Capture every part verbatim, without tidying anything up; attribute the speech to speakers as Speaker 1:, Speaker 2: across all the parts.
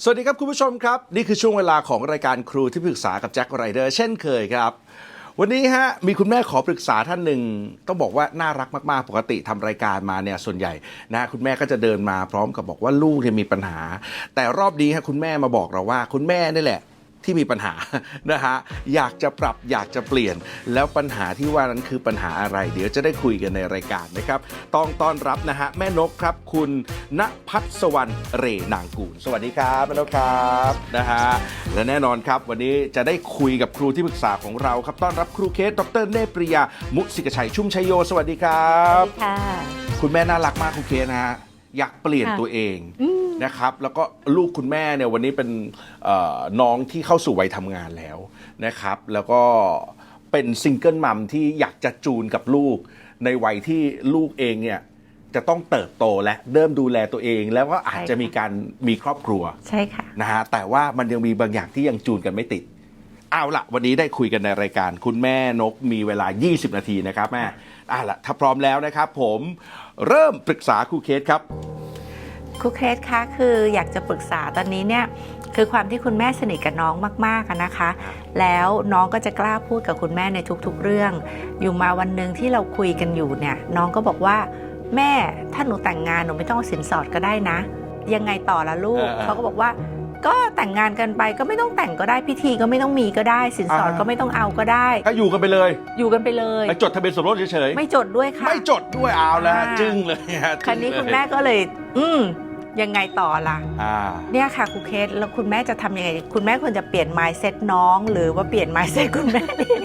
Speaker 1: สวัสดีครับคุณผู้ชมครับนี่คือช่วงเวลาของรายการครูที่ปรึกษากับแจ็คไรเดอร์เช่นเคยครับวันนี้ฮะมีคุณแม่ขอปรึกษาท่านหนึ่งต้องบอกว่าน่ารักมากๆปกติทำรายการมาเนี่ยส่วนใหญ่นะคุณแม่ก็จะเดินมาพร้อมกับบอกว่าลูกเนี่ยมีปัญหาแต่รอบนี้ฮะคุณแม่มาบอกเราว่าคุณแม่นี่แหละที่มีปัญหานะฮะอยากจะปรับอยากจะเปลี่ยนแล้วปัญหาที่ว่านั้นคือปัญหาอะไรเดี๋ยวจะได้คุยกันในรายการนะครับต้องต้อนรับนะฮะแม่นกครับคุณณภัสวรรณเรนางกูลสวัสดีครับแม่นกครับนะฮะและแน่นอนครับวันนี้จะได้คุยกับครูที่ปรึกษาของเราครับต้อนรับครูเคสดรเนปริยามุสิกชัยชุ่มชัยโยสวัสดีครับ
Speaker 2: สวัสดีค่ะ
Speaker 1: คุณแม่น่ารักมากครูเคสนะฮะอยากเปลี่ยนตัวเองนะครับแล้วก็ลูกคุณแม่เนี่ยวันนี้เป็นน้องที่เข้าสู่วัยทำงานแล้วนะครับแล้วก็เป็นซิงเกิลมัมที่อยากจะจูนกับลูกในวัยที่ลูกเองเนี่ยจะต้องเติบโตและเริ่มดูแลตัวเองแล้วก็อาจจะมีการมีครอบครัว
Speaker 2: ใช่ค่ะ
Speaker 1: นะฮะแต่ว่ามันยังมีบางอย่างที่ยังจูนกันไม่ติดเอาละวันนี้ได้คุยกันในรายการคุณแม่นกมีเวลายี่สิบนาทีนะครับแม่เอาละถ้าพร้อมแล้วนะครับผมเริ่มปรึกษาครูเคสครับ
Speaker 2: ครูเคสคะคืออยากจะปรึกษาตอนนี้เนี่ยคือความที่คุณแม่สนิทกับน้องมากๆนะคะแล้วน้องก็จะกล้าพูดกับคุณแม่ในทุกๆเรื่องอยู่มาวันหนึ่งที่เราคุยกันอยู่เนี่ยน้องก็บอกว่าแม่ถ้าหนูแต่งงานหนูไม่ต้องเอาสินสอดก็ได้นะยังไงต่อละลูกเขาก็บอกว่าก็แต่งงานกันไปก็ไม่ต้องแต่งก็ได้พิธีก็ไม่ต้องมีก็ได้สินสอดก็ไม่ต้องเอาก็ได้
Speaker 1: ก็อยู่กันไปเลย
Speaker 2: อยู่กันไปเลย
Speaker 1: ไปจดทะเบียนสมรสเฉย
Speaker 2: ๆไม่จดด้วยค่ะ
Speaker 1: ไม่จดด้วยเอาแล้วจึ้งเลย
Speaker 2: คราวนี้คุณแม่ก็เลยอืมยังไงต่อล่ะเนี่ยค่ะครูเคสแล้วคุณแม่จะทำยังไงคุณแม่ควรจะเปลี่ยน mindset น้องหรือว่าเปลี่ยน mindset คุณแม่เอง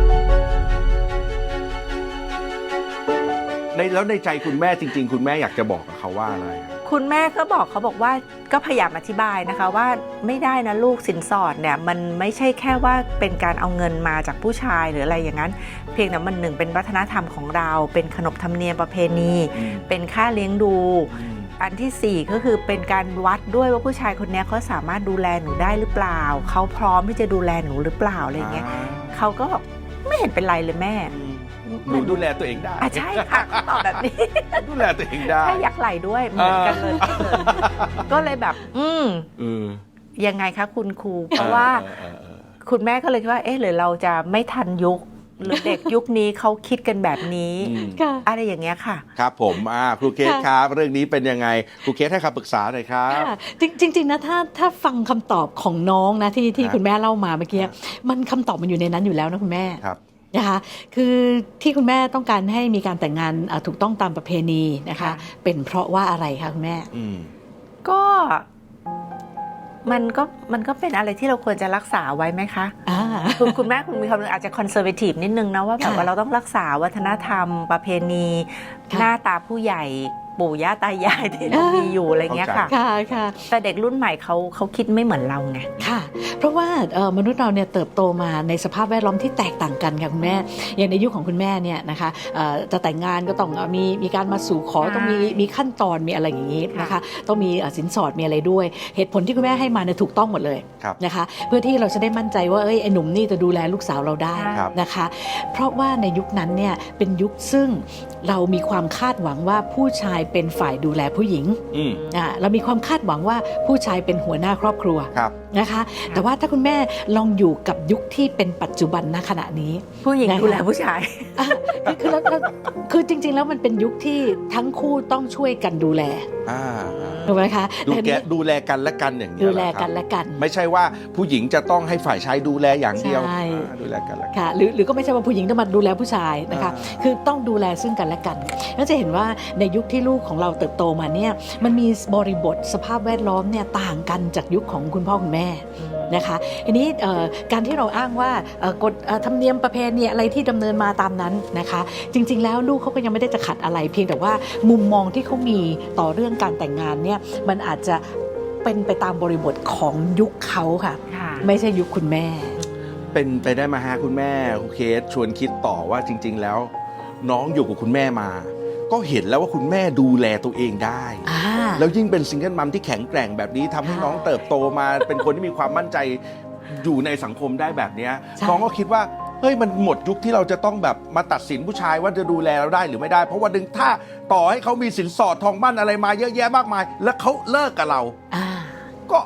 Speaker 1: ในแล้วในใจคุณแม่จริงๆคุณแม่อยากจะบอกกับเขาว่าอะไร
Speaker 2: คุณแม่ก็บอกเขาบอกว่าก็พยายามอธิบายนะคะว่าไม่ได้นะลูกสินสอดเนี่ยมันไม่ใช่แค่ว่าเป็นการเอาเงินมาจากผู้ชายหรืออะไรอย่างนั้นเพียงแต่มันหนึ่งเป็นวัฒนธรรมของเราเป็นขนบธรรมเนียมประเพณีเป็นค่าเลี้ยงดูอันที่สี่ก็คือเป็นการวัดด้วยว่าผู้ชายคนนี้เขาสามารถดูแลหนูได้หรือเปล่าเขาพร้อมที่จะดูแลหนูหรือเปล่าอะไรเงี้ยเขาก็บอกไม่เห็นเป็นไรเลยแม่
Speaker 1: หนูดูแลตัวเองได้
Speaker 2: อ่ะใช่ค่ะเขาตอบแบบนี้
Speaker 1: ดูแลตัวเองได้
Speaker 2: ถ้ายักไหลด้วยเหมือนกันเลยก็เลยแบบอืมยังไงคะคุณครูเพราะว่าคุณแม่ก็เลยคิดว่าเอ๊ะหรือเราจะไม่ทันยุคหรือเด็กยุคนี้เขาคิดกันแบบนี้อะไรอย่างเงี้ยค่ะ
Speaker 1: ครับผมครูเคสครับเรื่องนี้เป็นยังไงครูเคสให้คำปรึกษาหน่อยครับ
Speaker 3: จริงๆนะถ้าถ้าฟังคำตอบของน้องนะที่ที่คุณแม่เล่ามาเมื่อกี้มันคำตอบมันอยู่ในนั้นอยู่แล้วนะคุณแม่นะคะคือที่คุณแม่ต้องการให้มีการแต่งงานถูกต้องตามประเพณีนะคะเป็นเพราะว่าอะไรคะคุณแม่
Speaker 2: ก็มันก็มันก็เป็นอะไรที่เราควรจะรักษาไว้ไหมคะคุณคุณแม่คุณมีความอาจจะคอนเซอร์เวทีฟนิดนึงนะว่าแบบว่าเราต้องรักษาวัฒนธรรมประเพณีหน้าตาผู้ใหญ่ปู่ย่าตายายที่เรามีอยู่อะไรเงี้ยค่ะแต่เด็กรุ่นใหม่เขาเขาคิดไม่เหมือนเราไง
Speaker 3: ค่ะเพราะว่ามนุษย์เราเนี่ยเติบโตมาในสภาพแวดล้อมที่แตกต่างกันค่ะคุณแม่อย่างในยุคของคุณแม่เนี่ยนะคะจะแต่งงานก็ต้องมีมีการมาสู่ขอต้องมีมีขั้นตอนมีอะไรอย่างนี้นะคะต้องมีสินสอดมีอะไรด้วยเหตุผลที่คุณแม่ให้มาเนี่ยถูกต้องหมดเลยนะคะเพื่อที่เราจะได้มั่นใจว่าเอ้ยไอ้หนุ่มนี่จะดูแลลูกสาวเราได้นะคะเพราะว่าในยุคนั้นเนี่ยเป็นยุคซึ่งเรามีความคาดหวังว่าผู้ชายเป็นฝ่ายดูแลผู้หญิงอ่าเรามีความคาดหวังว่าผู้ชายเป็นหัวหน้าครอบครัวนะคะแต่ว่าถ้าคุณแม่ลองอยู่กับยุคที่เป็นปัจจุบันณขณะนี้
Speaker 2: ผู้หญิงดูแลผู้ชาย
Speaker 3: คือคือจริงๆแล้วมันเป็นยุคที่ทั้งคู่ต้องช่วยกันดูแลถูกไหมคะ
Speaker 1: ดูแลดูแลกันและกันอย่างนี้
Speaker 3: ดูแลกันและกัน
Speaker 1: ไม่ใช่ว่าผู้หญิงจะต้องให้ฝ่ายชายดูแลอย่างเดียวดูแลกันและกัน
Speaker 3: หรือหรือก็ไม่ใช่ว่าผู้หญิงต้องมาดูแลผู้ชายนะคะคือต้องดูแลซึ่งกันและกันแล้วจะเห็นว่าในยุคที่ลูกของเราเติบโตมาเนี่ยมันมีบริบทสภาพแวดล้อมเนี่ยต่างกันจากยุคของคุณพ่อคุณแม่นะคะทีนี้การที่เราอ้างว่ากฎธรรมเนียมประเพณีอะไรที่ดำเนินมาตามนั้นนะคะจริงๆแล้วลูกเขาก็ยังไม่ได้จะขัดอะไรเพียงแต่ว่ามุมมองที่เขามีต่อเรื่องการแต่งงานเนี่ยมันอาจจะเป็นไปตามบริบทของยุคเขาค่ะไม่ใช่ยุคคุณแม่
Speaker 1: เป็นไปได้มาฮะคุณแม่ครูเคสชวนคิดต่อว่าจริงๆแล้วน้องอยู่กับคุณแม่มาก็เห็นแล้วว่าคุณแม่ดูแลตัวเองได้แล้วยิ่งเป็นซิงเกิลมัมที่แข็งแกร่งแบบนี้ทำให้น้องเติบโตมาเป็นคนที่มีความมั่นใจอยู่ในสังคมได้แบบนี้น้องก็คิดว่าเฮ้ยมันหมดยุคที่เราจะต้องแบบมาตัดสินผู้ชายว่าจะดูแลเราได้หรือไม่ได้เพราะว่าดึงถ้าต่อให้เขามีสินสอดทองมั่นอะไรมาเยอะแยะมากมายแล้วเขาเลิกกับเราก็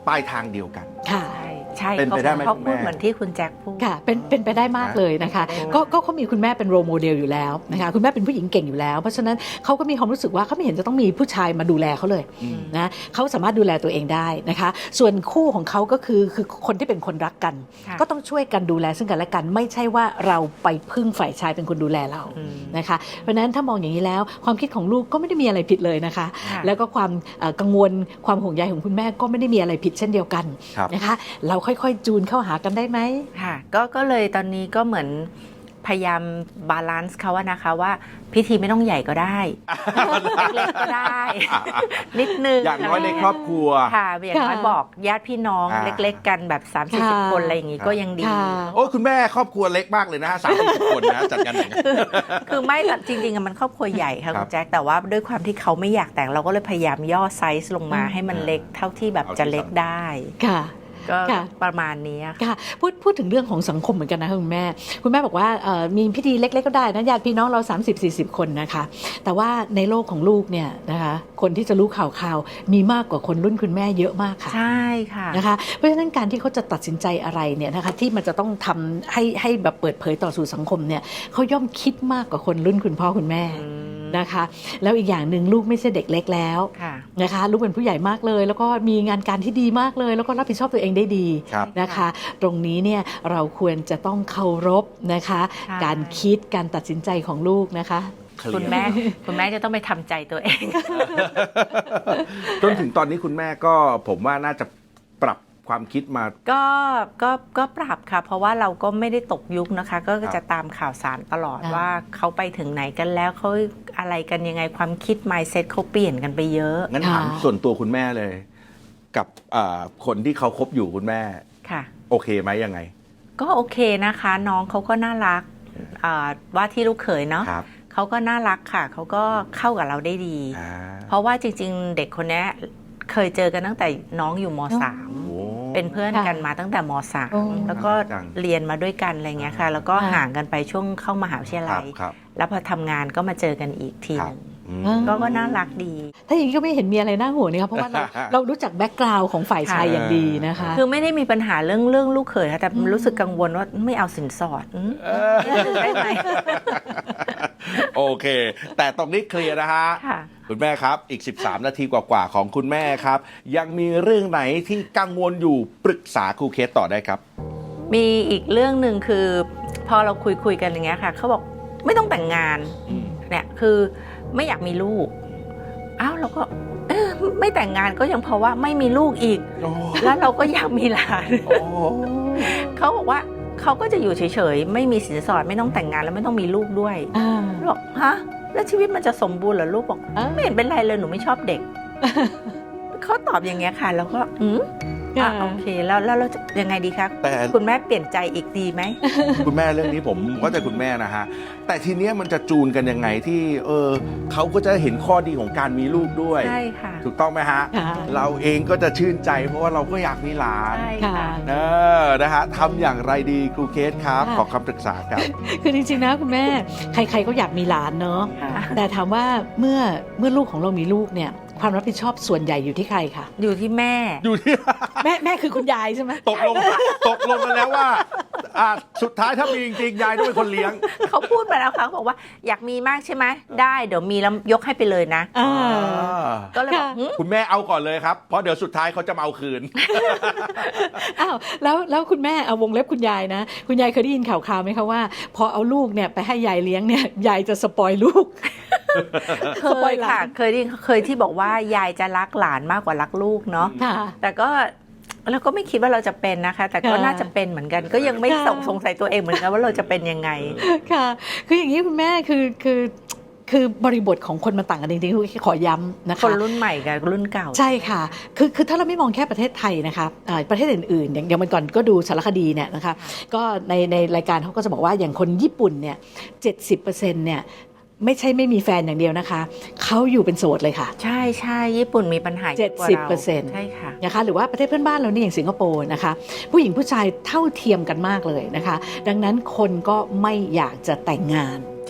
Speaker 1: ปลายทางเดียวกัน
Speaker 3: ค่ะ
Speaker 2: ใช่ใช่
Speaker 1: เป็นไปได้ไหม
Speaker 2: เขา
Speaker 1: คุณ
Speaker 2: พู
Speaker 1: แม่
Speaker 2: ดเหมือนที่คุณแจ็คพูด
Speaker 3: ค่ะเป็นเป็นไปได้มากเลยนะคะ
Speaker 2: โอ้
Speaker 3: ก็ก็เขามีคุณแม่เป็นโรโมเดลอยู่แล้วนะคะคุณแม่เป็นผู้หญิงเก่งอยู่แล้ว เพราะฉะนั้นเขาก็มีความรู้สึกว่าเขาไม่เห็นจะต้องมีผู้ชายมาดูแลเขาเลย
Speaker 1: อืม
Speaker 3: นะเขาสามารถดูแลตัวเองได้นะคะ ส่วนคู่ของเขาก็คือคือคนที่เป็นคนรักกัน
Speaker 2: ค่ะ
Speaker 3: ก็ต้องช่วยกันดูแลซึ่งกันและกัน ไม่ใช่ว่าเราไปพึ่งฝ่ายชายเป็นคนดูแลเรา
Speaker 2: อืม
Speaker 3: นะคะเพราะฉะนั้นถ้ามองอย่างนี้แล้วความคิดของลูกก็ไม่ได้มีอะไรผิดเลยนะคะ
Speaker 2: ค่ะ
Speaker 3: แล้วก็ความเอ่อกังวลความห่วงใยของคุณแม่ก็ไม่ได้มีอะไรผิดเช่นเดียวกัน
Speaker 1: ครับ
Speaker 3: นะคะเราค่อยๆจูนเข้าหากันได้ไหม
Speaker 2: ค่ะก็ก็เลยตอนนี้ก็เหมือนพยายามบาลานซ์เขาว่านะคะว่าพิธีไม่ต้องใหญ่ก็ได้ เล็กๆก็ได้ นิดนึง
Speaker 1: อย่างน้อยในครอบครัว
Speaker 2: ค่ะอย่างน้อย
Speaker 3: ค่ะ
Speaker 2: บอกญาติพี่น้อง
Speaker 1: อ่า
Speaker 2: เล็กๆ กันแบบสามสิบ
Speaker 3: ค่ะ
Speaker 2: คนอะไรอย่างงี้ก็ยังดี
Speaker 3: ค่ะ
Speaker 1: โอ้คุณแม่ครอบครัวเล็กมากเลยนะฮะสามสิบคนนะจัดงานแต่งงาน
Speaker 2: คือไม่แต่จริงๆอะมันครอบครัวใหญ่ค่ะ
Speaker 1: ครั
Speaker 2: คุ
Speaker 1: บ
Speaker 2: ณแจ็คแต่ว่าด้วยความที่เขาไม่อยากแต่งเราก็เลยพยายามย่อไซส์ลงมา
Speaker 3: อืม
Speaker 2: ให้มันเล็กเท่าที่แบบ
Speaker 1: เอาที่
Speaker 2: จะเล็ก
Speaker 1: สำคัญ
Speaker 2: ได้
Speaker 3: ค่ะ
Speaker 2: ก็
Speaker 3: ค่ะ
Speaker 2: ประมาณนี้ค่ะ
Speaker 3: ค่ะพูดพูดถึงเรื่องของสังคมเหมือนกันนะคะคุณแม่ คุณแม่บอกว่าเอ่อมีพิธีเล็กๆก็ได้นะญาติพี่น้องเรา สามสิบสี่สิบ คนนะคะ แต่ว่าในโลกของลูกเนี่ยนะคะคนที่จะรู้ข่าวข่าวมีมากกว่าคนรุ่นคุณแม่เยอะมากค่ะ
Speaker 2: ใช่ค่ะ
Speaker 3: นะคะเพราะฉะนั้นการที่เขาจะตัดสินใจอะไรเนี่ยนะคะที่มันจะต้องทำให้ให้แบบเปิดเผยต่อสู่สังคมเนี่ยเขาย่อมคิดมากกว่าคนรุ่นคุณพ่อคุณแม่
Speaker 2: อืม
Speaker 3: นะคะแล้วอีกอย่างหนึ่งลูกไม่ใช่เด็กเล็กแล้ว
Speaker 2: ค่ะ
Speaker 3: นะคะลูกเป็นผู้ใหญ่มากเลย แล้วก็มีงานการที่ดีมากเลย แล้วก็รับผิดชอบตัวเองได้ดี
Speaker 1: ครับ
Speaker 3: นะคะ ตรงนี้เนี่ยเราควรจะต้องเคารพนะคะ
Speaker 2: ใช่
Speaker 3: การคิดการตัดสินใจของลูกนะคะ
Speaker 1: เคลียร์
Speaker 2: คุณแม่คุณแม่จะต้องไปทำใจตัวเอง
Speaker 1: จนถึงตอนนี้คุณแม่ก็ผมว่าน่าจะปรับความคิดมา
Speaker 2: ก็ก็ก็ปรับค่ะ เพราะว่าเราก็ไม่ได้ตกยุคนะคะ ก็
Speaker 1: ครับ
Speaker 2: จะตามข่าวสารตลอด
Speaker 3: อ่า
Speaker 2: ว่าเขาไปถึงไหนกันแล้วเขาอะไรกันยังไงความคิด mindset เขาเปลี่ยนกันไปเยอะ
Speaker 1: งั้นถามส่วนตัวคุณแม่เลย กับเอ่อคนที่เขาคบอยู่คุณแม่
Speaker 2: ค่ะ
Speaker 1: โอเคไหมยังไง
Speaker 2: ก็โอเคนะคะ น้องเขาก็น่ารักอ่าว่าที่ลูกเขยเนาะ
Speaker 1: ครับ
Speaker 2: เขาก็น่ารักค่ะ เขาก็เข้ากับเราได้ดี
Speaker 1: อ่า
Speaker 2: เพราะว่าจริงๆ เด็กคนนี้เคยเจอกันตั้งแต่น้องอยู่มสาม
Speaker 1: โอ้
Speaker 2: เป็นเพื่อนกันมาตั้งแต่มสาม
Speaker 3: โอ้
Speaker 2: แล้วก็
Speaker 1: จัง
Speaker 2: เรียนมาด้วยกันอะไรเงี้ยค่ะ แล้วก็
Speaker 3: อ่า
Speaker 2: ห่างกันไปช่วงเข้ามหาวิทยา
Speaker 1: ครั
Speaker 2: ลั
Speaker 1: บ
Speaker 2: ย
Speaker 1: ครับ
Speaker 2: แล้วพอทำงานก็มาเจอกันอีกที
Speaker 1: ค
Speaker 2: ห
Speaker 1: รับ
Speaker 2: นึ่ง
Speaker 1: อืม
Speaker 3: อ่า
Speaker 2: ก็ก็น่ารักดี
Speaker 3: ถ้าอย่างนี้ก็ไม่เห็นมีอะไรน่าห่วงนี่ครับเพราะว่าเรา เรารู้จักแบ็กกราวด์ของฝ่ายชายอย่างดีนะคะ
Speaker 2: คือไม่ได้มีปัญหาเรื่องเรื่องลูกเขยค่ะแต่
Speaker 3: อืม
Speaker 2: รู้สึกกังวลว่าไม่เอาสินสอดอืมได้ไหม
Speaker 1: โอเค แต่ตรงนี้เคลียร์นะฮะ
Speaker 2: ค่ะ
Speaker 1: คุณแม่ครับ อีก สิบสาม นาทีกว่าๆของคุณแม่ครับ ยังมีเรื่องไหนที่กังวลอยู่ปรึกษาครูเคสต่อได้ครับ
Speaker 2: มีอีกเรื่องหนึ่งคือ พอเราคุยคุยๆกันอย่างเงี้ยค่ะเขาบอกไม่ต้องแต่งงาน
Speaker 1: อืม
Speaker 2: เนี่ยคือไม่อยากมีลูกอ้าวเราก็เอ๊ะไม่แต่งงานก็ยังเพราะว่าไม่มีลูกอีก
Speaker 1: โอ้
Speaker 2: แล้วเราก็อยากมีหลาน
Speaker 1: โอ้
Speaker 2: เขาบอกว่าเขาก็จะอยู่เฉยๆไม่มีสินสอดไม่ต้องแต่งงานแล้วไม่ต้องมีลูกด้วย
Speaker 3: อ่า
Speaker 2: เราบอกฮะแล้วชีวิตมันจะสมบูรณ์เหรอลูกบอก
Speaker 3: อ่า
Speaker 2: ไม่เห็นเป็นไรเลยหนูไม่ชอบเด็ก เขาตอบอย่างเงี้ยค่ะ แล้วก็อืมอ่ะโอเคแล้วแล้วเราจะยังไงดีครับ
Speaker 1: แต่
Speaker 2: คุณแม่เปลี่ยนใจอีกดีไหม
Speaker 1: คุณแม่เรื่องนี้ผมก็จะคุณแม่นะฮะ แต่ทีเนี้ยมันจะจูนกันยังไงที่ เออเขาก็จะเห็นข้อดีของการมีลูกด้วย
Speaker 2: ใช่ค่ะ
Speaker 1: ถูกต้องไหมฮะ
Speaker 3: ค่ะ
Speaker 1: เราเองก็จะชื่นใจ เพราะว่าเราก็อยากมีหลาน
Speaker 2: ใช่
Speaker 3: ค่ะ
Speaker 2: ค่ะ
Speaker 1: เออนะฮะทำอย่างไรดีครูเคสครับ
Speaker 3: ค่ะ
Speaker 1: ขอคำปรึกษาครับ
Speaker 3: คือจริงๆนะคุณแม่ใครๆก็อยากมีหลานเนาะ
Speaker 2: ค่ะ
Speaker 3: แต่ถามว่าเมื่อเมื่อลูกของเรามีลูกเนี่ยความรับผิดชอบส่วนใหญ่อยู่ที่ใครคะ
Speaker 2: อยู่ที่แม่
Speaker 1: อยู่ที่
Speaker 3: แม่แม่คือคุณยายใช่ไหม
Speaker 1: ตกลงตกลงกันแล้วว่าอ่ะสุดท้ายถ้ามีจริงๆยายต้องเป็นคนเลี้ยง
Speaker 2: เขาพูดมาแล้วค่ะเขาบอกว่าอยากมีมากใช่ไหมได้เดี๋ยวมีแล้วยกให้ไปเลยนะ
Speaker 3: อ่า
Speaker 2: ก็เลยบอก
Speaker 3: ค่ะ
Speaker 2: หึ
Speaker 1: คุณแม่เอาก่อนเลยครับ เพราะเดี๋ยวสุดท้ายเขาจะมาเอาคืน
Speaker 3: อ้าวแล้วแล้วคุณแม่เอาวงเล็บคุณยายนะ คุณยายเคยได้ยินข่าวคราวไหมคะว่า พอเอาลูกเนี่ยไปให้ยายเลี้ยงเนี่ยยายจะสปอยลูก
Speaker 2: เค
Speaker 3: สปอย
Speaker 2: ย
Speaker 3: หลาน
Speaker 2: ค่ะ เคยได้เคยที่บอกว่ายายจะรักหลานมากกว่ารักลูกเนาะ
Speaker 3: ค่ะ
Speaker 2: แต่ก็เราก็ไม่คิดว่าเราจะเป็นนะคะ แต่ก็
Speaker 3: ค่ะ
Speaker 2: น่าจะเป็นเหมือนกัน ก็ยังไม่
Speaker 3: ค่ะ
Speaker 2: สงสงสัยตัวเองเหมือนกันว่าเราจะเป็นยังไง
Speaker 3: ค่ะ คืออย่างนี้คุณแม่คือคือคือบริบทของคนมันต่างกันจริงๆคือขอย้ำนะคะ
Speaker 2: คนรุ่นใหม่กับรุ่นเก่า
Speaker 3: ใช่ค่ะ คือคือถ้าเราไม่มองแค่ประเทศไทยนะคะอ่าประเทศอื่นๆ อย่างอย่างวันก่อนก็ดูสารคดีเนี่ยนะคะ ก็ในในรายการเขาก็จะบอกว่าอย่างคนญี่ปุ่นเนี่ยเจ็ดสิบเปอร์เซ็นต์เนี่ยไม่ใช่ไม่มีแฟนอย่างเดียวนะคะ เขาอยู่เป็นโสดเลยค่ะ
Speaker 2: ใช่ใช่ญี่ปุ่นมีปัญหาเยอะกว่า
Speaker 3: เจ็ดสิบ
Speaker 2: เรา
Speaker 3: เปอร์เซ็นต์
Speaker 2: ใช่ค่ะ
Speaker 3: นะคะหรือว่าประเทศเพื่อนบ้านเรานี่อย่างสิงคโปร์นะคะ ผู้หญิงผู้ชายเท่าเทียมกันมากเลยนะคะ ดังนั้นคนก็ไม่อยากจะแต่งงาน
Speaker 2: ใช่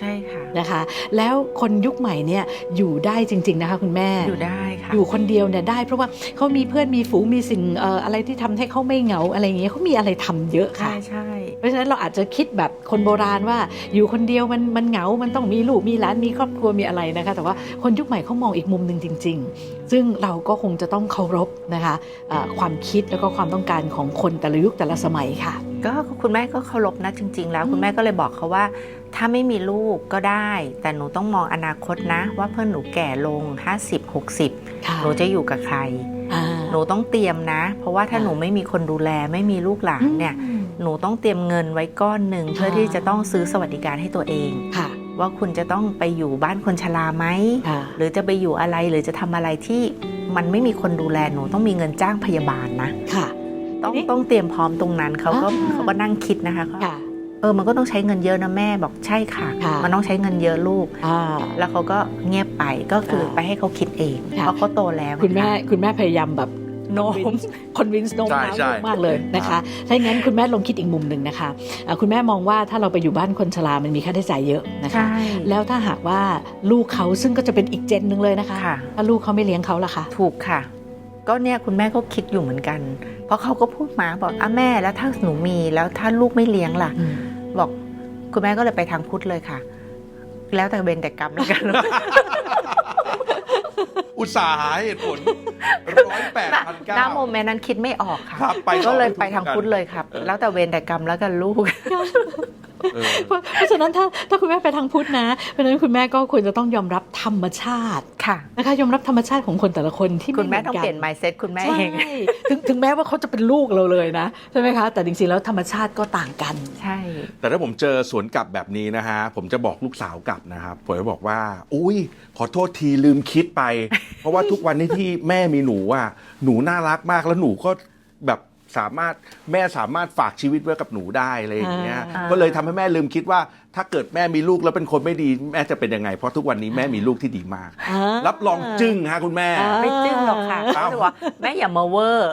Speaker 2: ช่ค่ะ
Speaker 3: นะคะแล้วคนยุคใหม่เนี่ยอยู่ได้จริงๆนะคะคุณแม่
Speaker 2: อยู่ได้ค่ะ
Speaker 3: อยู่คนเดียวเนี่ยได้เพราะว่าเขามีเพื่อนมีฝูงมีสิ่งเอ่ออะไรที่ทำให้เขาไม่เหงาอะไรอย่างเงี้ยเขามีอะไรทำเยอะค่ะ
Speaker 2: ใช่ใช่
Speaker 3: เพราะฉะนั้นเราอาจจะคิดแบบคนโบราณว่าอยู่คนเดียวมันมันเหงา มันต้องมีลูกมีหลานมีครอบครัวมีอะไรนะคะแต่ว่าคนยุคใหม่เขามองอีกมุมหนึ่งจริงๆซึ่งเราก็คงจะต้องเคารพนะคะเอ่อความคิดแล้วก็ความต้องการของคนแต่ละยุคแต่ละสมัยค่ะ
Speaker 2: ก็คุณแม่ก็เคารพนะจริง ๆ แล้วคุณแม่ก็เลยบอกเขาว่าถ้าไม่มีลูกก็ได้แต่หนูต้องมองอนาคตนะว่าเพื่อนหนูแก่ลงห้าสิบ หกสิบ
Speaker 3: ค่ะ
Speaker 2: หนูจะอยู่กับใคร
Speaker 3: อ่า
Speaker 2: หนูต้องเตรียมนะ เพราะว่าถ้า
Speaker 3: ค่ะ
Speaker 2: หนูไม่มีคนดูแลไม่มีลูกหลานเนี่ย
Speaker 3: อืม
Speaker 2: หนูต้องเตรียมเงินไว้ก้อนหนึ่งเพื่อที่จะต้องซื้อสวัสดิการให้ตัวเอง
Speaker 3: ค่ะ
Speaker 2: ว่าคุณจะต้องไปอยู่บ้านคนชราไหม
Speaker 3: ค่ะ
Speaker 2: หรือจะไปอยู่อะไรหรือจะทำอะไรที่มันไม่มีคนดูแลหนูต้องมีเงินจ้างพยาบาลนะ
Speaker 3: ค่ะ
Speaker 2: ต้อง
Speaker 3: นี่
Speaker 2: ต้องเตรียมพร้อมตรงนั้นเขาก็
Speaker 3: อ่า
Speaker 2: เขาก็นั่งคิดนะคะเขา
Speaker 3: ค่ะ
Speaker 2: เออมันก็ต้องใช้เงินเยอะนะแม่บอกใช่ค่ะ
Speaker 3: ค่ะ
Speaker 2: มันต้องใช้เงินเยอะลูก
Speaker 3: อ่า
Speaker 2: แล้วเขาก็เงียบไปก็คือ
Speaker 3: ค่ะ
Speaker 2: ไปให้เขาคิดเอง
Speaker 3: ค่ะ
Speaker 2: เพราะเขาโตแล้ว
Speaker 3: คุณแม่
Speaker 2: นะะ
Speaker 3: คุณแม่พยายามแบบ
Speaker 2: โน้ม
Speaker 3: คอนวินส์โน้ม
Speaker 1: ใช่
Speaker 3: น้าว
Speaker 1: ใช่
Speaker 3: ลูกมากเลยนะคะถ้าอย่างนั้นคุณแม่ลองคิดอีกมุมหนึ่งนะคะเอ่อคุณแม่มองว่าถ้าเราไปอยู่บ้านคนชรามันมีค่าใช้จ่ายเยอะนะคะ
Speaker 2: ใช่
Speaker 3: แล้วถ้าหากว่าลูกเขาซึ่งก็จะเป็นอีกเจนหนึ่งเลยนะคะ
Speaker 2: ค่ะ
Speaker 3: ถ้าลูกเขาไม่เลี้ยงเขาล่ะคะ
Speaker 2: ถูกค่ะ ก็เนี่ยคุณแม่ก็คิดอยู่เหมือนกัน เพราะเขาก็พูดมาบอกอ่ะแม่แล้วถ้าหนูมีแล้วถ้าลูกไม่เลี้ยงล่ะ
Speaker 3: อืม
Speaker 2: บอกคุณแม่ก็เลยไปทางพุทธเลยค่ะ แล้วแต่เวรแต่กรรมแล้วกัน
Speaker 1: อุตสาห์หาเหตุผลร้อยแปดพันเก้า
Speaker 2: ณโมเมนต์นั้นคิดไม่ออกค่ะ
Speaker 1: ครับไปต่อ
Speaker 2: ก็เลย
Speaker 1: ไม่ถูก
Speaker 2: ไปทางพุทธเลยครับ แล้วแต่เวรแต่กรรมแล้วกันลูก
Speaker 1: เออ
Speaker 3: เพราะเพราะฉะนั้นถ้าถ้าคุณแม่ไปทางพุทธนะเพราะฉะนั้นคุณแม่ก็ควรจะต้องยอมรับธรรมชาติ
Speaker 2: ค่ะ
Speaker 3: นะคะยอมรับธรรมชาติของคนแต่ละคนที่
Speaker 2: คุณแม่ต้อง
Speaker 3: ห
Speaker 2: เปลี่ยน mindset คุณแม่
Speaker 3: ใช่
Speaker 2: เอง
Speaker 3: ถึงถึงแม้ว่าเขาจะเป็นลูกเราเลยนะใช่ไหมคะแต่จริงๆแล้วธรรมชาติก็ต่างกัน
Speaker 2: ใช่
Speaker 1: แต่ถ้าผมเจอสวนกลับแบบนี้นะฮะ ผมจะบอกลูกสาวกลับนะครับผมจะบอกว่า อุ้ยขอโทษทีลืมคิดไป เพราะว่าทุกวันนี้ที่แม่มีหนูอ่ะหนูน่ารักมากแล้วหนูก็แบบสามารถแม่สามารถฝากชีวิตไว้กับหนูได้อะไรอย่างเงี้ย
Speaker 3: อ่า
Speaker 1: ก็เลยทำให้แม่ลืมคิดว่า ถ้าเกิดแม่มีลูกแล้วเป็นคนไม่ดีแม่จะเป็นยังไงเพราะทุกวันนี้แม่มีลูกที่ดีมาก
Speaker 3: อ่า
Speaker 1: รับรองจึ้งฮะคุณแม่
Speaker 3: อ่า
Speaker 2: ไม่จึ้งหรอกค่ะ
Speaker 1: อ้าว
Speaker 2: เขาจะบอกว่าแม่อย่ามาเวอร์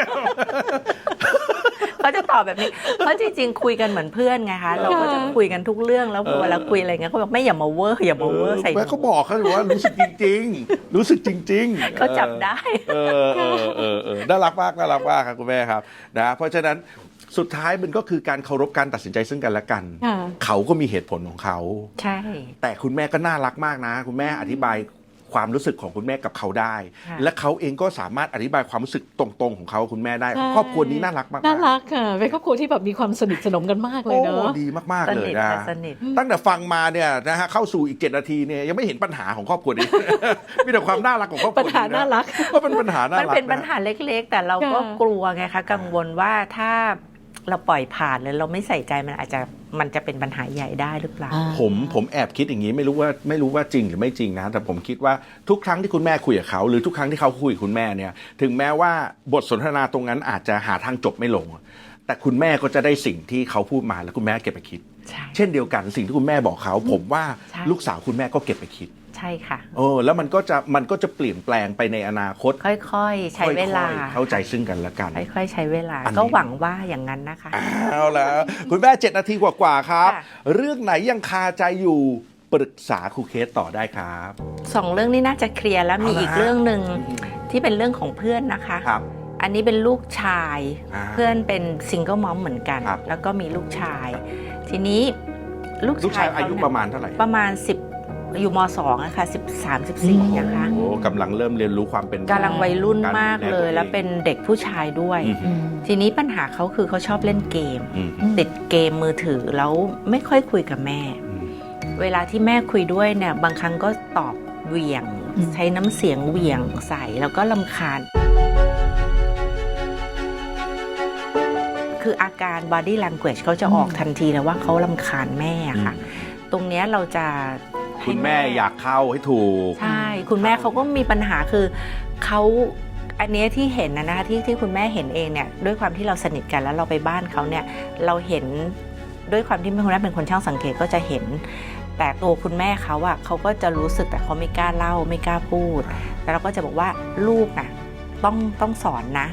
Speaker 2: เขาจะตอบแบบนี้ เพราะจริงๆคุยกันเหมือนเพื่อนไงคะ เราก็จะคุยกันทุกเรื่องแล้วเวลาคุยอะไรเงี้ยเขาบอกแม่อย่ามาเวอร์อย่ามาเวอร์ใส่ห
Speaker 1: แม่
Speaker 2: นู
Speaker 1: ก็บอกเขาอยู่ว่ารู้สึกจริง ๆ รู้สึกจริงๆ
Speaker 2: เขาจับได้
Speaker 1: เออเออเออเออน่ารักมากน่ารักมากครับคุณแม่ครับนะเพราะฉะนั้นสุดท้ายมันก็คือการเคารพการตัดสินใจซึ่งกันและกัน
Speaker 3: ค่ะ
Speaker 1: เขาก็มีเหตุผลของเขา
Speaker 2: ใช่
Speaker 1: แต่คุณแม่ก็น่ารักมากนะ คุณแม่อธิบายความรู้สึกของคุณแม่กับเขาได้
Speaker 2: ค่ะ
Speaker 1: และเขาเองก็สามารถอธิบายความรู้สึกตรงๆของเขาคุณแม่ได้
Speaker 3: ใช่
Speaker 1: ครอบครัวนี้น่ารักมากๆ
Speaker 3: น่ารักค่ะเป็นครอบครัวที่แบบมีความสนิทสนมกันมากเลย
Speaker 1: โอ้
Speaker 3: เนาะ
Speaker 1: ดีมาก
Speaker 2: ส
Speaker 1: ๆ เลย
Speaker 2: นิท
Speaker 1: นะ
Speaker 2: ค่ะสนิท
Speaker 1: ตั้งแต่ฟังมาเนี่ยนะฮะเข้าสู่อีกเจ็ดนาทีเนี่ยยังไม่เห็นปัญหาของครอบครัวนี้ มีแต่ความน่ารักของครอบครัว
Speaker 3: ปัญหาน่ารัก
Speaker 1: ก็เป็นปัญหาน่ารั
Speaker 2: มั
Speaker 1: ก
Speaker 2: นเป็นปัญหาเล็กๆ แต่เราก็
Speaker 3: ค่ะ
Speaker 2: กลัวไงคะกังวลว่าถ้าเราปล่อยผ่านหรือเราไม่ใส่ใจมันอาจจะมันจะเป็นปัญหาใหญ่ได้หรือเปล่า
Speaker 3: อ่า
Speaker 1: ผมผมแอบคิดอย่างนี้ไม่รู้ว่าไม่รู้ว่าจริงหรือไม่จริงนะ แต่ผมคิดว่าทุกครั้งที่คุณแม่คุยกับเขาหรือทุกครั้งที่เขาคุยกับคุณแม่เนี่ยถึงแม้ว่าบทสนทนาตรงนั้นอาจจะหาทางจบไม่ลง แต่คุณแม่ก็จะได้สิ่งที่เขาพูดมาแล้วคุณแม่เก็บไปคิด
Speaker 2: ใช่
Speaker 1: เช่นเดียวกันสิ่งที่คุณแม่บอกเขา ผมว่า
Speaker 2: ใช่
Speaker 1: ลูกสาวคุณแม่ก็เก็บไปคิด
Speaker 2: ใช่ค่ะ
Speaker 1: โอ้แล้วมันก็จะมันก็จะเปลี่ยนแปลงไปในอนาคต
Speaker 2: ค่อยๆ ใช้เวลา
Speaker 1: ค่อยๆเข้าใจซึ่งกันและกัน
Speaker 2: ค่อยๆ ใช้เวลา
Speaker 1: อันนี้
Speaker 2: ก็หวังว่าอย่างนั้นนะคะ
Speaker 1: เอาแล้วคุณแม่เจ็ดนาทีกว่าๆครับ
Speaker 2: ค่ะ
Speaker 1: เรื่องไหนยังคาใจอยู่ปรึกษาครูเคสต่อได้ครับ
Speaker 2: สองเรื่องนี้น่าจะเคลียร์แล้วมี
Speaker 1: เอาละ
Speaker 2: อีกเรื่องหนึ่งที่เป็นเรื่องของเพื่อนนะคะ
Speaker 1: ครับ
Speaker 2: อันนี้เป็นลูกชาย
Speaker 1: อ่า
Speaker 2: เพื่อนเป็นซิงเกิลมอมเหมือนกัน
Speaker 1: ครับ
Speaker 2: แล้วก็มีลูกชาย ทีนี้ลูก
Speaker 1: ลูกชายอายุ
Speaker 2: เขเนี่
Speaker 1: ประมาณเท่าไหร่
Speaker 2: ประมาณสิบอยู่มสองนะคะสิบสามสิบสี่นะคะ
Speaker 1: โอ้กำลังเริ่มเรียนรู้ความเป็น
Speaker 2: กำลังวัยรุ่น
Speaker 1: การ
Speaker 2: มาก
Speaker 1: ดูแล
Speaker 2: เลย
Speaker 1: ตัวเอง
Speaker 2: แล้วเป็นเด็กผู้ชายด้วย
Speaker 1: อืม
Speaker 3: อืม
Speaker 2: ทีนี้ปัญหาเขาคือเขาชอบเล่นเกม
Speaker 1: อืม
Speaker 2: ติดเกมมือถือแล้วไม่ค่อยคุยกับแม่
Speaker 1: อืม
Speaker 2: เวลาที่แม่คุยด้วยเนี่ยบางครั้งก็ตอบเหวี่ยง
Speaker 3: อืม
Speaker 2: ใช้น้ำเสียงเหวี่ยงใส่แล้วก็ลำคาญ คืออาการ body language เขาจะออกทันทีเลยว่าเขาลำคาญแม่ค่ะ ตรงเนี้ยเราจะให้
Speaker 1: คุณแม่อยากเข้าให้ถูก
Speaker 2: ใช่ คุณแม่เขาก็มีปัญหาคือเขาอันเนี้ยที่เห็นนะนะคะที่ที่คุณแม่เห็นเองเนี่ยด้วยความที่เราสนิทกันแล้วเราไปบ้านเขาเนี่ยเราเห็นด้วยความที่คุณแม่เป็นคนช่างสังเกตก็จะเห็น แต่ตัวคุณแม่เขาอะเขาก็จะรู้สึกแต่เขาไม่กล้าเล่าไม่กล้าพูดแต่เราก็จะบอกว่าลูกน่ะต้องต้องสอนนะ พ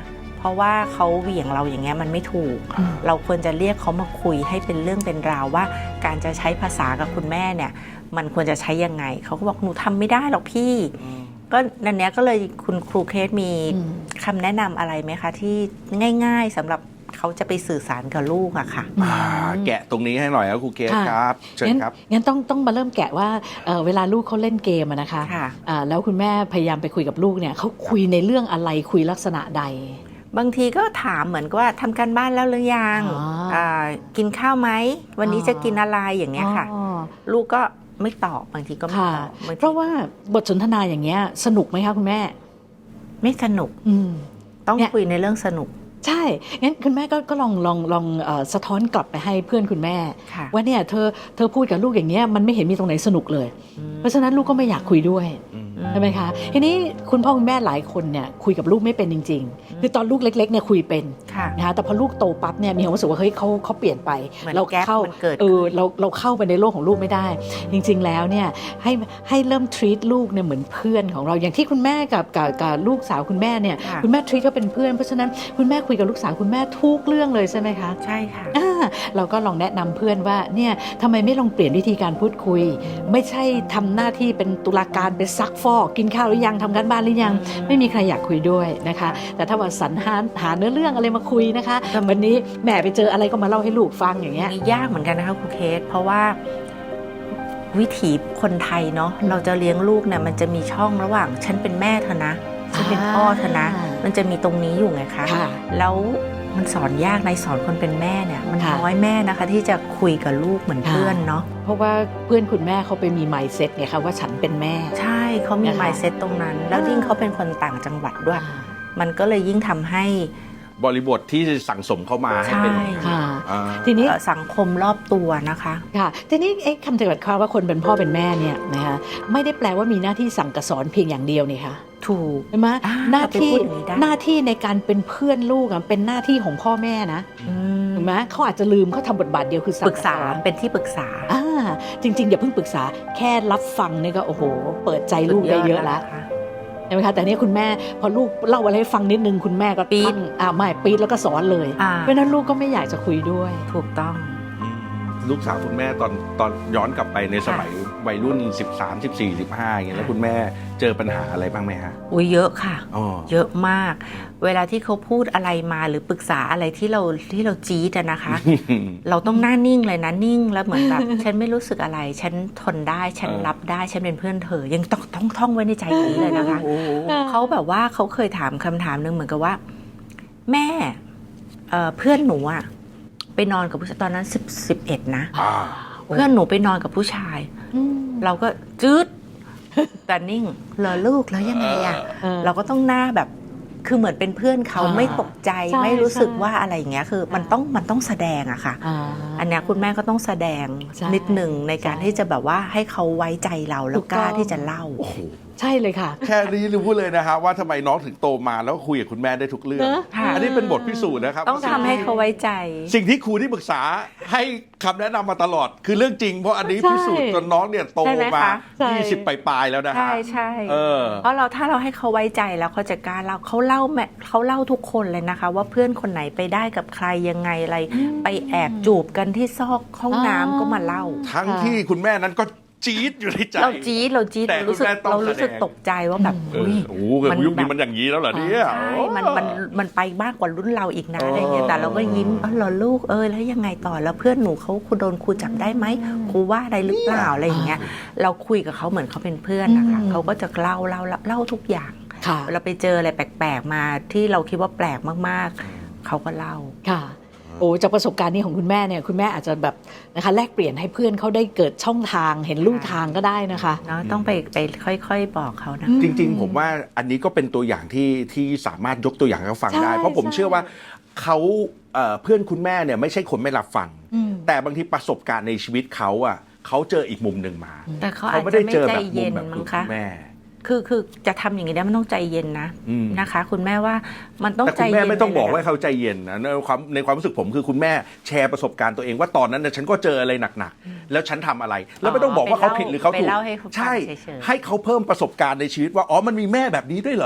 Speaker 2: ราะว่าเขาเหวี่ยงเราอย่างเงี้ยมันไม่ถูก
Speaker 3: อืม
Speaker 2: เราควรจะเรียกเขามาคุยให้เป็นเรื่องเป็นราวว่าการจะใช้ภาษากับคุณแม่เนี่ยมันควรจะใช้ยังไงเขาก็บอกหนูทำไม่ได้หรอกพี่ ก็นันเนี้ยก็เลยคุณครูเคสมี
Speaker 3: อืม
Speaker 2: คำแนะนำอะไรไหมคะที่ง่ายๆสำหรับเขาจะไปสื่อสารกับลูกอะค่ะ
Speaker 1: อ่าแกะตรงนี้ให้หน่อยครับครูเกศ
Speaker 3: ค่ะ
Speaker 1: ครับเชิญ
Speaker 3: งั้น
Speaker 1: ครับ
Speaker 3: งั้นต้องต้องมาเริ่มแกะว่าเอ่อเวลาลูกเขาเล่นเกมอะนะคะ
Speaker 2: ค่ะ
Speaker 3: อ่าแล้วคุณแม่พยายามไปคุยกับลูกเนี่ยเขาคุยในเรื่องอะไรคุยลักษณะใด
Speaker 2: บางทีก็ถามเหมือนกับว่าทำการบ้านแล้วหรือยัง
Speaker 3: อ๋ออ่
Speaker 2: ากินข้าวไหมวันนี้
Speaker 3: อ๋อ
Speaker 2: จะกินอะไรอย่างเงี้ยค่ะ
Speaker 3: อ๋อ
Speaker 2: ลูกก็ไม่ตอบบางทีก็ไม่
Speaker 3: ค่ะ
Speaker 2: ตอบบางที
Speaker 3: เพราะว่าบทสนทนาอย่างเงี้ยสนุกไหมคะคุณแม่
Speaker 2: ไม่สนุก
Speaker 3: อืม
Speaker 2: ต้อง
Speaker 3: เนี่ย
Speaker 2: คุยในเรื่องสนุก
Speaker 3: ใช่ งั้นคุณแม่ก็ก็ลองลองลองเอ่อสะท้อนกลับไปให้เพื่อนคุณแม่
Speaker 2: ค่ะ
Speaker 3: ว่าเนี่ยเธอเธอพูดกับลูกอย่างเงี้ยมันไม่เห็นมีตรงไหนสนุกเลย
Speaker 2: อืม
Speaker 3: เพราะฉะนั้นลูกก็ไม่อยากคุยด้วย
Speaker 1: อืม
Speaker 3: ใช่ไหมคะทีนี้คุณพ่อคุณแม่หลายคนเนี่ยคุยกับลูกไม่เป็นจริง ๆ คือตอนลูกเล็กๆเนี่ยคุยเป็น
Speaker 2: ค่ะ
Speaker 3: นะคะแต่พอลูกโตปั๊บเนี่ยมีความรู้สึกว่าเฮ้ยเขาเขาเปลี่ยนไป
Speaker 2: เหมือน
Speaker 3: เรา
Speaker 2: แก๊ป
Speaker 3: เข้า
Speaker 2: มันเกิด
Speaker 3: เออ
Speaker 2: ขึ้น
Speaker 3: เราเราเข้าไปในโลกของลูกไม่ได้ จริง ๆ แล้วเนี่ยให้ให้เริ่ม treat ลูกเนี่ยเหมือนเพื่อนของเราอย่างที่คุณแม่กับกับกับลูกสาวคุณแม่เนี่ย
Speaker 2: ค่ะ
Speaker 3: คุณแม่ treat เขาเป็นเพื่อนเพราะฉะนั้นคุณแม่คุยกับลูกสาวคุณแม่ทุกเรื่องเลยใช่ไหมคะ
Speaker 2: ใช่ค่ะ
Speaker 3: อ่าเราก็ลองแนะนำเพื่อนว่าเนี่ยทำไมไม่ลองเปลี่ยนวิธีการพูดคุย ไม่ใช่ทำหน้าที่เป็นตุลาการเป็นซักฟอกกินข้าวหรือยังทำการบ้านหรือยัง ไม่มีใครอยากคุยด้วยนะคะ แต่ถ้าว่าสรรหาหาเนื้อเรื่องอะไรมาคุยนะคะ
Speaker 2: แต่
Speaker 3: วันนี้แม่ไปเจออะไรก็มาเล่าให้ลูกฟังอย่างเงี้ย
Speaker 2: นี่ยากเหมือนกันนะคะครูเคส เพราะว่าวิถีคนไทยเนาะเราจะเลี้ยงลูกเนี่ยมันจะมีช่องระหว่างฉันเป็นแม่เธอนะฉันเป็นพ่อเธอนะ
Speaker 3: อ่ามั
Speaker 2: มันจะมีตรงนี้อยู่ไงคะ
Speaker 3: ค่ะ
Speaker 2: แล้วมันสอนยากในสอนคนเป็นแม่เนี่ย มัน
Speaker 3: ค่ะ
Speaker 2: น้อยแม่นะคะ ที่จะคุยกับลูกเหมือนเพื่อนเนาะ
Speaker 3: เพราะว่าเพื่อนคุณแม่เขาไปมี mindset ไงคะว่าฉันเป็นแม่
Speaker 2: ใช่เขามี
Speaker 3: นะคะ
Speaker 2: mindset ตรงนั้น แล้ว
Speaker 3: อ่ายิ่
Speaker 2: ยิ่งเขาเป็นคนต่างจังหวัดด้วย มันก็เลยยิ่งทำให้
Speaker 1: บริบทที่สั่งสมเข้ามาให้เป็น
Speaker 2: ใช่
Speaker 3: ค่ะ
Speaker 1: อ่า
Speaker 3: ทีนี้
Speaker 2: เอ่อสังคมรอบตัวนะคะ
Speaker 3: ค่ะทีนี้เอ๊ะคำจำกัดความว่าคนเป็นพ่อเป็นแม่เนี่ยนะคะไม่ได้แปลว่ามีหน้าที่สั่งกับสอนเพียงอย่างเดียวนี่ค่ะ
Speaker 2: ถูก
Speaker 3: ใช่ไหม
Speaker 2: อ่า
Speaker 3: หน้าที่
Speaker 2: เราไปพูดอย่างนี้ได้
Speaker 3: หน้าที่ในการเป็นเพื่อนลูกอะเป็นหน้าที่ของพ่อแม่นะ
Speaker 2: อืม
Speaker 3: ถูกไหมเขาอาจจะลืมเขาทำบทบาทเดียวคือสั่ง
Speaker 2: ปรึกษา
Speaker 3: บสอน
Speaker 2: เป็นที่ปรึกษา
Speaker 3: อ่าจริงๆอย่าเพิ่งปรึกษาแค่รับฟังนี่ก็โอ้โห เปิดใจลูกได้เยอะแล้ว
Speaker 2: สุดดนะคะ
Speaker 3: ใช่ไหมคะแต่นี่คุณแม่พอลูกเล่าอะไรให้ฟังนิดนึงคุณแม่ก็
Speaker 2: ปี๊ด
Speaker 3: ตั้งอ่าไม่ปี๊ดแล้วก็สอนเลย
Speaker 2: อ่า
Speaker 3: เพราะฉะนั้นลูกก็ไม่อยากจะคุยด้วย
Speaker 2: ถูกต้อง
Speaker 1: อืมลูกสาวคุณแม่ตอนตอนย้อนกลับไปในสมัยวัยรุ่น สิบสาม สิบสี่ สิบห้าอย่างเงี้ยแล้วคุณแม่เจอปัญหาอะไรบ้างไหมฮะ
Speaker 2: อุ้ยเยอะค่ะ
Speaker 1: อ๋อ
Speaker 2: เยอะมาก เวลาที่เขาพูดอะไรมาหรือปรึกษาอะไรที่เราที่เราจี๊ดอะนะคะ เราต้องหน้านิ่งเลยนะนิ่งแล้วเหมือนแบบ ฉันไม่รู้สึกอะไร ฉันทนได้ ฉัน
Speaker 1: เออ
Speaker 2: รับได้ ฉันเป็นเพื่อนเธอ ยังต้องต้องท่องไว้ในใจอย่างนี้เลยนะคะ
Speaker 1: โอ้โห
Speaker 2: เขาแบบว่าเขาเคยถามคำถามหนึ่งเหมือนกับว่า แม่เอ่อเพื่อนหนูอะไปนอนกับผู้ชายตอนนั้นสิบสิบเอ็ดนะ
Speaker 1: อ่า
Speaker 2: เพื่อนหนูไปนอนกับผู้ชาย
Speaker 3: อืม
Speaker 2: เราก็จืดแต่นิ่งเหรอลูกแล้วยังไงอะ
Speaker 3: เออ
Speaker 2: เราก็ต้องหน้าแบบคือเหมือนเป็นเพื่อนเขา
Speaker 3: อ่า
Speaker 2: ไม่ตกใจ
Speaker 3: ใช่
Speaker 2: ไม่รู้สึก
Speaker 3: ใช่
Speaker 2: ว่าอะไรอย่างเงี้ยคือมันต้องมันต้องแสดงอะค่ะ
Speaker 3: อ่า
Speaker 2: อันเนี้ยคุณแม่ก็ต้องแสดง
Speaker 3: ใช่
Speaker 2: นิดหนึ่งในการ
Speaker 3: ใช่
Speaker 2: ที่จะแบบว่าให้เขาไว้ใจเราแล้
Speaker 3: ถู
Speaker 2: ว
Speaker 3: ก
Speaker 2: กล้า
Speaker 3: ต้อง
Speaker 2: ที่จะเล่า
Speaker 1: โอ้โห
Speaker 3: ใช่เลยค่ะ
Speaker 1: แค่นี้รู้เลยนะฮะว่าทำไมน้องถึงโตมาแล้วก็คุยกับคุณแม่ได้ทุกเรื่อง
Speaker 3: เนอะ
Speaker 2: ค่ะ
Speaker 1: อันนี้เป็นบทพิสูจน์นะครับ
Speaker 2: ต้องทำให้เขาไว้ใจ
Speaker 1: สิ่งที่ครูที่ปรึกษาให้คำแนะนำมาตลอด คือเรื่องจริง เพราะอันนี้
Speaker 3: ใช่
Speaker 1: พิสูจน์จนน้องเนี่ยโต
Speaker 2: ใช่ไหม
Speaker 1: มา
Speaker 2: คะ
Speaker 3: ใช่
Speaker 1: ยี่สิบปลายๆแล้วนะฮะ
Speaker 2: ใช่ใช่
Speaker 1: เออ
Speaker 2: เพราะเราถ้าเราให้เขาไว้ใจแล้วเขาจะกล้าเล่าเขาเล่าแม่เขาเล่าทุกคนเลยนะคะ ว่าเพื่อนคนไหนไปได้กับใครยังไงอะไร ไปแอบจูบกันที่ซอกห้องน้ำก็มาเล่า
Speaker 1: ทั้งที่คุณแม่นั้นก็จี๊ดอยู่ในใจ
Speaker 2: เราจี๊ดเราจี๊ด
Speaker 1: แต่
Speaker 2: เรารู้สึก
Speaker 1: คุณแม่ต้อง
Speaker 2: เรารู้สึก
Speaker 1: แสดง
Speaker 2: ตกใจว่าแบบ
Speaker 1: เออ
Speaker 2: อุ้ย
Speaker 1: โอ้โห
Speaker 2: มัน
Speaker 1: ยุคนี้
Speaker 2: แบบ
Speaker 1: มันอย่างนี้แล้วเหรอเนี่ย
Speaker 2: ใช่มันมันมันไปมากกว่ารุ่นเราอีกนะ
Speaker 1: เอออ
Speaker 2: อะไรเงี้ยแต่เราก็ยิ้มเออเหรอลูกเออแล้วยังไงต่อแล้วเพื่อนหนูเขาคุณโดนครูจับได้ไหมครูว่าอะไรหรือเปล่าอะไรอย่างเงี้ยเราคุยกับเขาเหมือนเขาเป็นเพื่อนนะคะ
Speaker 3: อืม
Speaker 2: เขาก็จะเล่าเล่าเล่าเล่าทุกอย่าง
Speaker 3: ค่ะ
Speaker 2: เราไปเจออะไรแปลกๆมาที่เราคิดว่าแปลกมากๆ เขาก็เล่า
Speaker 3: ค่ะโอ้จากประสบการณ์นี้ของคุณแม่เนี่ยคุณแม่อาจจะแบบนะคะแลกเปลี่ยนให้เพื่อนเขาได้เกิดช่องทางเห็นลู่ทางก็ได้นะคะ
Speaker 2: เนาะต้องไปไปค่อยๆบอกเขานะ
Speaker 3: อืม
Speaker 1: จริงๆ ผมว่าอันนี้ก็เป็นตัวอย่างที่ที่สามารถยกตัวอย่างให้เขาฟังได้
Speaker 3: ใช่
Speaker 1: เพราะผม
Speaker 3: ใช่
Speaker 1: เชื่อว่าเขาเอ่อเพื่อนคุณแม่เนี่ยไม่ใช่คนไม่รับฟัง
Speaker 3: อืม
Speaker 1: แต่บางทีประสบการณ์ในชีวิตเขาอ่ะเขาเจออีกมุมหนึ่งมา
Speaker 2: แต่เขาอา
Speaker 1: เขา
Speaker 2: จ
Speaker 1: ไม่
Speaker 2: จะ
Speaker 1: ได้
Speaker 2: ไม่
Speaker 1: เจอ
Speaker 2: ใจ
Speaker 1: แบบมุ
Speaker 2: เย็
Speaker 1: ม
Speaker 2: น
Speaker 1: แบบ
Speaker 2: มั้
Speaker 1: คุ
Speaker 2: ง
Speaker 1: ณ
Speaker 2: คะ
Speaker 1: แม่
Speaker 2: คือคือจะทำอย่างนี้ได้มันต้องใจเย็นนะ
Speaker 1: อืม
Speaker 2: นะคะ คุณแม่ว่ามันต้อง
Speaker 1: แต่
Speaker 2: ใจ
Speaker 1: คุณ
Speaker 2: เย็น
Speaker 1: แม่ไม่ต้องบอก
Speaker 2: เลย
Speaker 1: ว่า
Speaker 2: นะ
Speaker 1: เขาใจเย็นนะในความในความรู้สึกผมคือคุณแม่แชร์ประสบการณ์ตัวเองว่าตอนนั้นน่ะฉันก็เจออะไรหนักๆแล้วฉันทำอะไร แล้วไม่ต้องบอกว่าเขาผิดหรือเขาถูก
Speaker 2: ไปเล่าให้เขาฟัง
Speaker 1: ใช่
Speaker 2: เฉยๆ
Speaker 1: ให้เขาเพิ่มประสบการณ์ในชีวิตว่าอ๋อมันมีแม่แบบนี้ด้วยเหรอ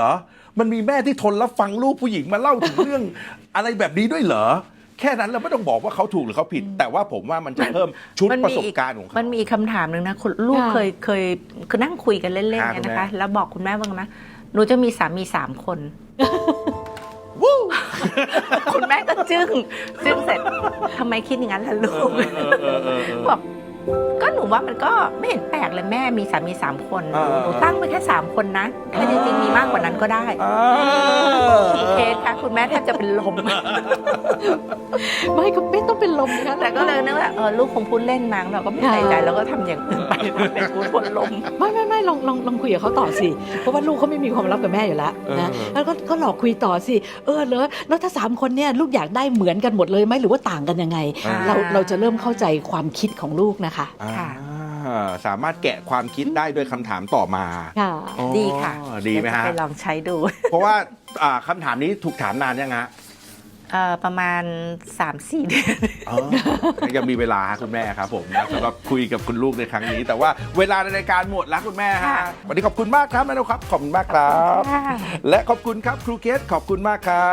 Speaker 1: มันมีแม่ที่ทนรับฟังลูกผู้หญิงมาเล่าถึงเรื่อง อะไรแบบนี้ด้วยเหรอแค่นั้นเราไม่ต้องบอกว่าเขาถูกหรือเขาผิด แต่ว่าผมว่ามันจะเพิ่มชุด
Speaker 2: มัน
Speaker 1: ป
Speaker 2: มี
Speaker 1: ระสบ
Speaker 2: อีก
Speaker 1: การณ์ของเขา
Speaker 2: มันมีคำถามหนึ่งนะคุณลูก
Speaker 3: ค่ะ
Speaker 2: เคยเคยคือนั่งคุยกันเล่นๆ
Speaker 1: ค่ะ
Speaker 2: เนี่ย
Speaker 1: คุณ
Speaker 2: นะ
Speaker 1: แม่
Speaker 2: คะ แล้วบอกคุณแม่ว่าไงนะหนูจะมีสามีสามคน
Speaker 1: วู้
Speaker 2: คุณแม่ก็จึ้งจึ้งเสร็จทำไมคิดอย่างนั้นล่ะลูก
Speaker 1: เออเออเออเออเออ
Speaker 2: บอกก็หนูว่ามันก็ไม่เห็นแปลกเลยแม่มีสามีสามคน
Speaker 1: เออ
Speaker 2: หนูตั้งไปแค่สามคนนะถ้าจริงๆมีมากกว่านั้นก็ได้
Speaker 1: อ่า
Speaker 2: เคสค่ะคุณแม่แทบจะเป็นลม
Speaker 3: ไม่ก็ไม่ต้องเป็นลมนะคะ
Speaker 2: แต่ก็เลยนึกว่าเออลูกคงพูดเล่นมั้งเราก็ไม่ใส่ใจแล้วก็ทำอย่างอื่นไปเป็นพูดคนลม
Speaker 3: ไม่ไม่ไม่ลองลองลองคุยกับเขาต่อสิ เพราะว่าลูกเขาไม่มีความลับกับแม่อยู่แล้วนะ
Speaker 1: เออ
Speaker 3: แล้วก็ก็หลอกคุยต่อสิ เออแล้วแล้วถ้าสามคนเนี่ยลูกอยากได้เหมือนกันหมดเลยไหมหรือว่าต่างกันยังไง
Speaker 1: อ่า
Speaker 3: เราเราจะเริ่มเข้าใจความคิดของลูกนะคะ
Speaker 2: ค่ะ
Speaker 1: อ่าสามารถแกะความคิดได้ด้วยคำถามต่อมา
Speaker 3: ค่ะ
Speaker 1: อ๋อ
Speaker 2: ดีค่ะ
Speaker 1: ดีไหมฮะ
Speaker 2: เยวจไปลองใช้ดู
Speaker 1: เพราะว่าอ่าคำถามนี้ถูกถามนานยังฮะ
Speaker 2: เอ่อประมาณ สามสี่ เดือน
Speaker 1: อ๋อยังมีเวลาคุณแม่ครับผมนะสำหรับคุยกับคุณลูกในครั้งนี้ แต่ว่าเวลาในรายการหมดแล้วคุณแม่ฮะ
Speaker 2: ค่ะ
Speaker 1: วันนี้ขอบคุณมากครับแม่นกครับขอบคุณมากครับ
Speaker 2: ค่ะ
Speaker 1: และขอบคุณครับครูเคสขอบคุณมากครับ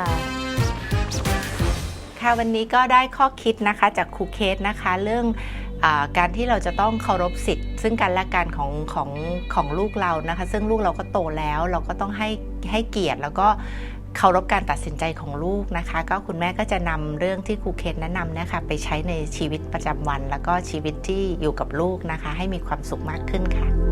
Speaker 2: ค่ะวันนี้ก็ได้ข้อคิดนะคะจากครูเคสนะคะเรื่องอาการที่เราจะต้องเคารพสิทธิ์ซึ่งกันและกันของของของลูกเรานะคะ ซึ่งลูกเราก็โตแล้วเราก็ต้องให้ให้เกียรติแล้วก็เคารพการตัดสินใจของลูกนะคะ ก็คุณแม่ก็จะนำเรื่องที่ครูเคสแนะนำนะคะไปใช้ในชีวิตประจำวัน แล้วก็ชีวิตที่อยู่กับลูกนะคะ ให้มีความสุขมากขึ้นค่ะ